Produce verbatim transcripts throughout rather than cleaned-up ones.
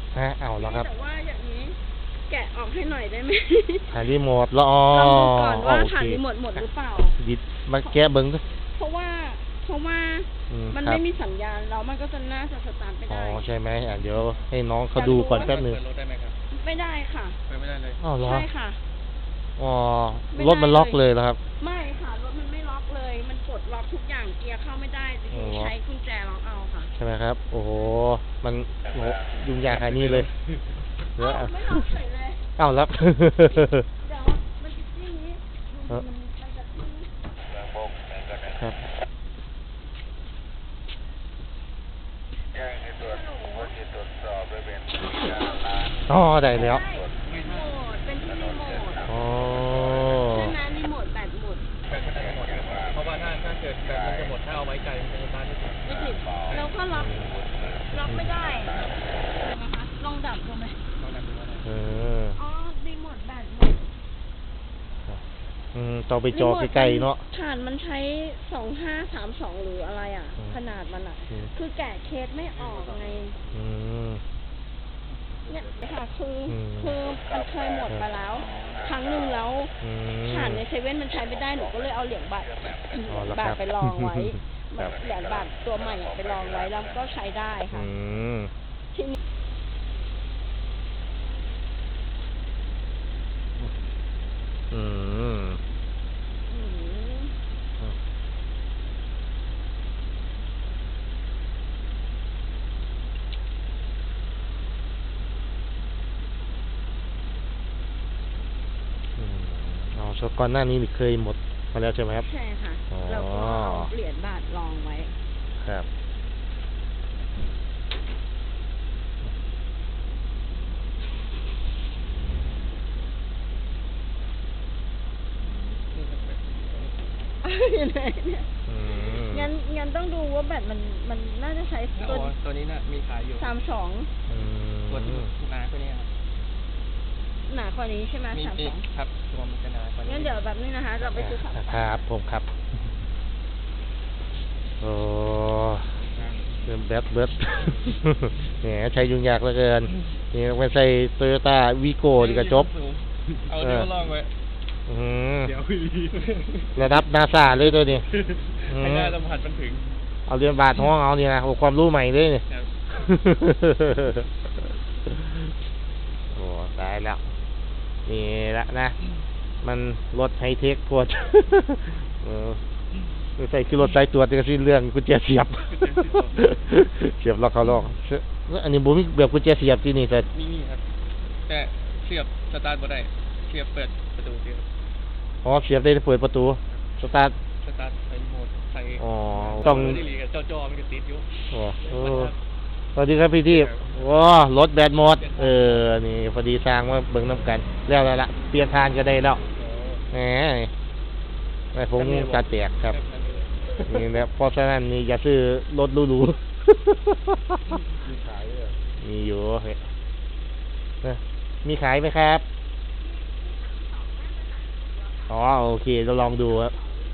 ฮะเอาแล้วครับแต่ว่าอย่างนี้แกะออกให้หน่อยได้ไหมถ่ายรีโมทแล้วอ๋อลองดูก่อนว่าโอถ่ายเครีโมทหมดหรือเปล่าดิดมาแกะเบิ้งด้วยเพราะว่าเพราะว่ามันไม่มีสัญญาณแล้วมันก็จะน่าจะสตาร์ทไม่อ๋อได้ใช่ไหมอ่ะเดี๋ยวให้น้องเขาดูก่อนแป๊บนึงเปิดรถได้ไหมครับไม่ได้ค่ะเปิดไม่ได้เลยอ๋อเหรอใช่ค่ะอ๋อรถมันล็อกเลยแล้วครับไม่ค่ะรถมันไม่ล็อกเลยมันกดล็อกทุกอย่างเกียร์เข้าไม่ได้ใช้กุญแจล็อกเอาค่ะใช่ไหมครับโอ้โหมันโหยุ่งยากขนาดนี้เลยเอ้าไม่ล็อกเฉยเลยเอ้ารับเดี๋ยวมันจะที่นี้มันมันจะที่ครับอ๋อได้แล้วรีโมทเป็นที่รีโมทอ๋อใช่ไหมรีโมทแบตหมดเพราะว่าถ้าถ้าเกิดแบตมันจะหมดถ้าเอาไว้ไกลมันจะสตาร์ทไม่ติดไม่ติดแล้วก็ล็อกล็อกไม่ได้นะคะลองดับดูไหมลองดับดูว่าเอออ๋อรีโมทแบตหมดอืมต่อไปจอใกล้ๆเนาะฐานมันใช้สองห้าสามสองหรืออะไรอ่ะขนาดมันอ่ะคือแกะเคสไม่ออกไงอืมเนี่ยค่ะคือคือมันเคยหมดไปแล้วครั้งหนึ่งแล้วฐานในเซเว่นมันใช้ไม่ได้หนูก็เลยเอาเหรียญบาทบาทไปลองไว้เหรียญบาทตัวใหม่ไปลองไว้แล้วก็ใช้ได้ค่ะทีนี้อืมอ๋อชก่อนหน้านี้เคยหมดมาแล้วใช่ไหมครับใช่ค่ะแล้วก็เอาเหรียญบาทลองไว้ครับงั้นงั้นต้องดูว่าแบตมันมันน่าจะใช้ตัวตัวนี้น่ะมีขายอยู่สามสองตัวที่หนาตัวนี้ครับหนากว่านี้ใช่ไหมสามสองครับตัวมันจะหนากว่านี้งั้นเดี๋ยวแบบนี้นะคะเราไปซื้อครับผมครับโอ้เริ่มแบตเบิดแหมใช้ยุ่งยากเหลือเกินนี่ไปใส่โตโยต้าวีโก้ดีกว่าจบเอาเดี๋ยวลองไว้เดี๋ยวระดับนาซาเลยตัวนี้ให้หน้าสัมผัสมันถึงเอาเรียนบาทห้องเอาเนี่ยนะความรู้ใหม่เลยเนี่ยโอ้ตายแล้วนี่ละนะมันรถไฮเทคปวดใส่คือรถสายตรวจก็สิเรื่องกุญแจเสียบเสียบล็อกเขาล็อกอันนี้บุ้มแบบกุญแจเสียบที่นี่แต่นี่ครับแต่เสียบสตาร์ทบ่ได้เสียบเปิดประตูเสียบอ๋อเสียบได้เปิดประตูสตาร์ทสตาร์ทใส่โหมดใส่อ๋อต้องเจ้าจอมันก็ติดอยู่โอ้สวัสดีครับพี่ที่ว้ารถแบตหมดเออนี่พอดีสร้างมาเบิ่งน้ำกันแล้วแล้วละเปลี่ยนทานก็ได้แล้วแหมไม่ผมจัดแตกครับนี่แหละเพราะฉะนั้นนี่อย่าซื้อรถหรูๆมีอยู่มีขายไหมครับอ๋อโอเคเราลองดูครับ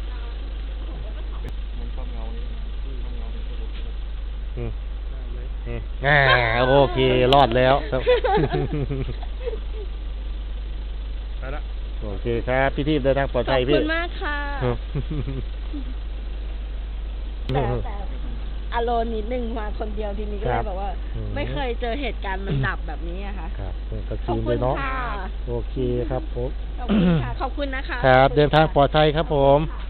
อืมอ่าโอเครอดแล้วครับไปละโอเคครับพี่ที่เดินทางปลอดภัยพี่ขอบคุณมากค่ะแต่แต่อารมณ์นิดนึงมาคนเดียวทีนี้ก็เลยบอกว่าไม่เคยเจอเหตุการณ์มันดับแบบนี้อะค่ะครับขอบคุณค่ะโอเคครับผมขอบคุณค่ะขอบคุณนะคะครับเดินทางปลอดภัยครับผม